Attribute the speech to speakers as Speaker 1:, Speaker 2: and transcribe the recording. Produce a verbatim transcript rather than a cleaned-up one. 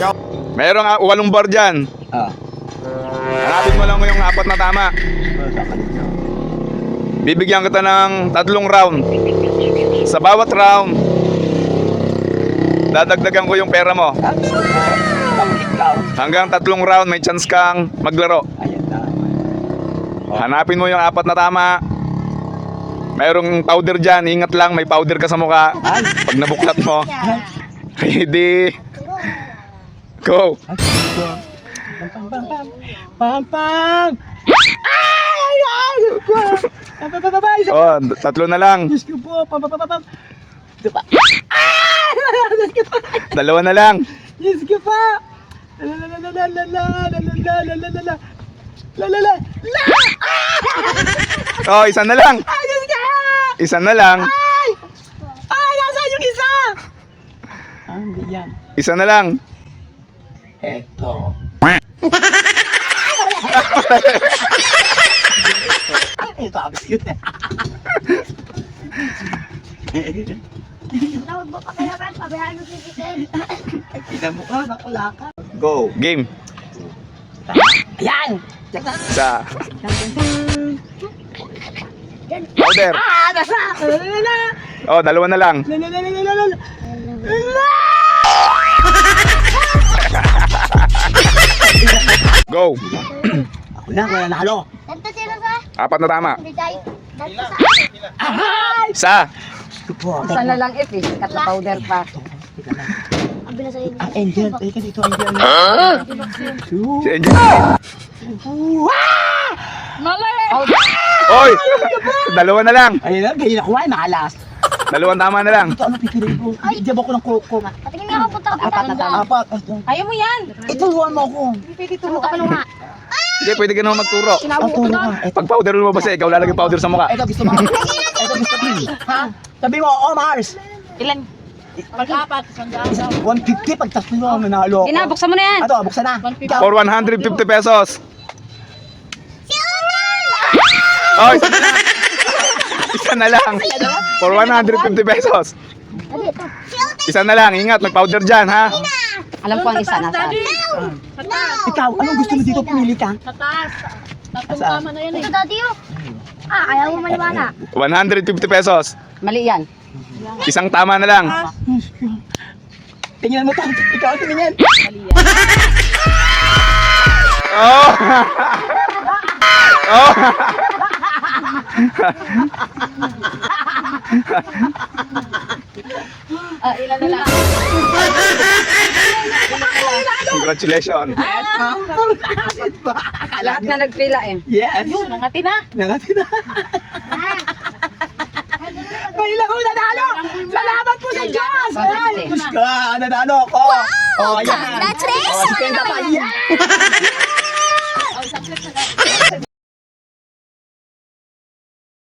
Speaker 1: Mayroong uh, walong bar dyan.
Speaker 2: Ah.
Speaker 1: Hanapin mo lang yung apat na tama. Bibigyan kita ng tatlong round. Sa bawat round, dadagdagan ko yung pera mo. Hanggang tatlong round, may chance kang maglaro. Hanapin mo yung apat na tama. Mayroong powder dyan. Ingat lang, may powder ka sa mukha. Pag nabuklat mo. Ready? Go!
Speaker 2: Pam pam pam pam pam. Ay ay. Pam pam pam pam.
Speaker 1: Oh, tatlo na lang.
Speaker 2: Diyos ko po. Pam pam pam pam. Diba?
Speaker 1: Dalawa na lang.
Speaker 2: Diyos ko po. La la la la la la la la la la la la la la la.
Speaker 1: Oh, isa na lang.
Speaker 2: Ay, Diyos ko!
Speaker 1: Isa na lang.
Speaker 2: Ay! Ay, nasaan yung isa? Ah, hindi yan.
Speaker 1: Isa na lang.
Speaker 2: Eto. Ito, abis yun.
Speaker 3: Tawag mo pa kaya man, pabayaan mo sikitin.
Speaker 2: Tignan mo ka, nakulaka.
Speaker 1: Go. Game.
Speaker 2: Ayan!
Speaker 1: Isa. Powder.
Speaker 2: Ah, nasa! La la la
Speaker 1: Oh, dalawa na lang.
Speaker 2: la la la la la la la.
Speaker 1: Go.
Speaker 2: Ako na, wala nalo.
Speaker 3: Tanto sila sa
Speaker 1: Apat na tama.
Speaker 3: bigay. Tanto sa
Speaker 2: Ay!
Speaker 1: Isa.
Speaker 2: Tupo.
Speaker 4: Isa na lang if eh, kat na powder pa.
Speaker 3: ang bilis sa'yo.
Speaker 2: Ah, Angel. Teka dito, Angel.
Speaker 1: Si Angel.
Speaker 4: Powder.
Speaker 1: Oy! Dalawa na lang.
Speaker 2: Ayun na, ganyan ako ay nakalas.
Speaker 1: Dalawang tama na lang.
Speaker 2: Ito, ano pipiliin ko? Diyan ako ng koko.
Speaker 3: Patingin nga ako punta ka
Speaker 4: Apat na tama.
Speaker 2: Apat. Ito.
Speaker 4: Ayaw mo yan.
Speaker 2: Ituruan mo ako.
Speaker 3: Turo ka pa nung nga.
Speaker 1: Sige, pwede ka naman magturo.
Speaker 2: Ang turo ka. Ito.
Speaker 1: Pag powder mo ba ikaw lalagay powder sa mukha.
Speaker 2: Ito gusto mo. Ito gusto mo. Ha? Sabi mo, oh Mars.
Speaker 4: Ilan? Pag-apat.
Speaker 2: one fifty pag tatlo mo ang nanalo ko.
Speaker 4: Ina, buksan mo na yan.
Speaker 2: Ito, buksan na. Ikaw.
Speaker 1: For one hundred fifty pesos. Oh, isa na lang. Isa na lang. For one hundred fifty pesos.
Speaker 3: Dali, ito.
Speaker 1: Isa na lang. Ingat, may powder dyan, ha?
Speaker 4: Alam ko ang isa nasa.
Speaker 2: Ikaw, anong gusto mo dito? Pumili ka.
Speaker 3: Ito, daddy, oh. Ah, ayaw mo maniwala.
Speaker 1: one hundred fifty pesos.
Speaker 4: Mali yan.
Speaker 1: Isang tama na lang.
Speaker 2: Tingnan mo to. Ikaw, tingnan.
Speaker 1: Oh! Oh!
Speaker 4: Ah, ilan na lang.
Speaker 1: Congratulations.
Speaker 4: Lahat na nagpila eh.
Speaker 2: Yes.
Speaker 4: Nangati na.
Speaker 2: Nangati na. May lang ako nanalo. Salamat po sa Diyos. Ay, Diyos ka, nanalo ako. Oh, yan.
Speaker 3: Congratulations!
Speaker 2: Oh, si Kenda pa. Yan.